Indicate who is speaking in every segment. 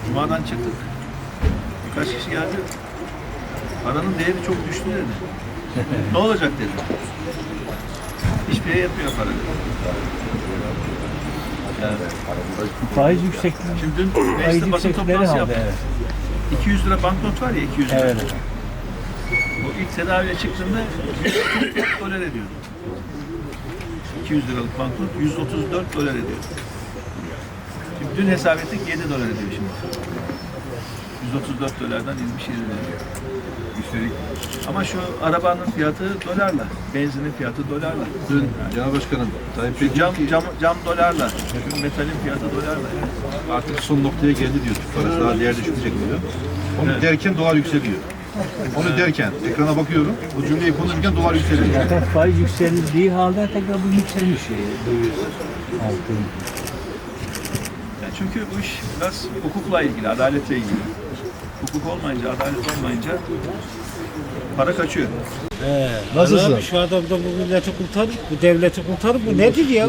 Speaker 1: Cuma'dan çıktık. Birkaç kişi geldi. Paranın değeri çok düştü dedi. Ne olacak dedi. Hiçbir yere yetmiyor para dedi. Yani,
Speaker 2: Faiz yüksekliği.
Speaker 1: şimdi dün mecliste basın toplantısı yaptık.
Speaker 2: Evet.
Speaker 1: 200 lira banknot var ya, 200 lira.
Speaker 2: Evet.
Speaker 1: O ilk tedaviye çıktığında 144 dolar ediyordu. 200 liralık banknot 134 dolar ediyor. Şimdi dün hesap ettik 7 dolar ediyor şimdi. 134 dolardan inmiş 7 dolar. Üstelik. Ama şu arabanın fiyatı dolarla, benzinin fiyatı dolarla.
Speaker 3: Dün Genel Başkanım Tayyip Bey
Speaker 1: Cam dolarla, şu metalin fiyatı dolarla.
Speaker 3: artık son noktaya geldi diyor. Türk parası daha değer düşmeyecek diyor. Onu
Speaker 1: Evet.
Speaker 3: derken dolar yükseliyor. Onu derken ekrana bakıyorum. Bu cümleyi konuşurken dolar yükseliyor.
Speaker 2: Zaten faiz yükseldiği halde tekrar bu yükselmiş. Döviz altın.
Speaker 1: Yani çünkü bu iş biraz hukukla ilgili, adaletle ilgili. Hukuk olmayınca, adalet olmayınca para kaçıyor.
Speaker 4: Nasılsın? Abi, şu adam da bu milleti kurtarır, bu devleti kurtarır. Bu nedir ya?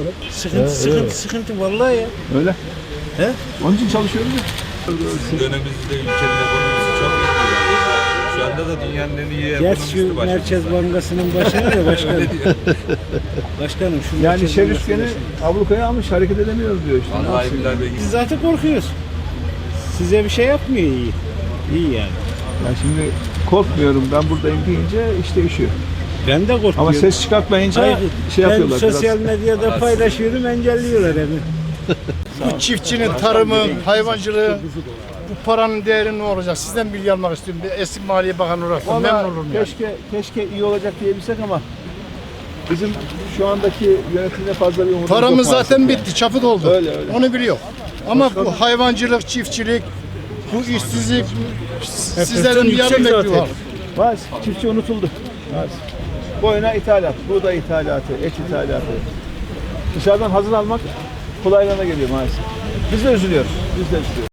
Speaker 4: Sıkıntı vallahi ya.
Speaker 3: Öyle.
Speaker 4: He?
Speaker 3: Onun için çalışıyoruz ya.
Speaker 5: Dönemimizde ülkenin ekonomisi çok iyi. Şu anda da dünyanın en iyi
Speaker 4: Geç
Speaker 5: ekonomisti
Speaker 4: şu
Speaker 5: başımızda.
Speaker 4: Merkez Bankası'nın başına da başkanım. Başkanım şu
Speaker 3: Yani
Speaker 4: Merkez
Speaker 3: şer
Speaker 4: Bankası'nın
Speaker 3: üçgeni
Speaker 4: başına.
Speaker 3: ablukaya almış, hareket edemiyoruz diyor işte.
Speaker 5: Vallahi billahi be.
Speaker 4: Biz zaten korkuyoruz. Size bir şey yapmıyor iyi. İyi yani.
Speaker 3: Yani şimdi korkmuyorum, ben buradayım deyince iş değişiyor.
Speaker 4: Ben de korkuyorum.
Speaker 3: Ama ses çıkartmayınca
Speaker 4: Hayır,
Speaker 3: şey
Speaker 4: ben
Speaker 3: yapıyorlar.
Speaker 4: sosyal medyada paylaşıyorum, engelliyorlar beni.
Speaker 6: Bu çiftçinin tarımı, hayvancılığı, bu paranın değeri ne olacak? Sizden bilgi almak istiyorum. Bir eski Maliye Bakanı olarak da memnun olurum yani.
Speaker 3: Keşke iyi olacak diyebilsek ama bizim şu andaki yönetimde fazla bir umudumuz yok
Speaker 6: Paramız
Speaker 3: maalesef
Speaker 6: zaten
Speaker 3: yani.
Speaker 6: bitti, çapı doldu.
Speaker 3: Öyle.
Speaker 6: Onu biliyor. Ama bu hayvancılık, çiftçilik, bu işsizlik, sizlerin bir yardım bekliyor.
Speaker 3: Maalesef çiftçi unutuldu. Maalesef. Boyuna ithalat, buğday ithalatı, et ithalatı. Dışarıdan hazır almak kolaylığına geliyor maalesef. Biz de üzülüyoruz.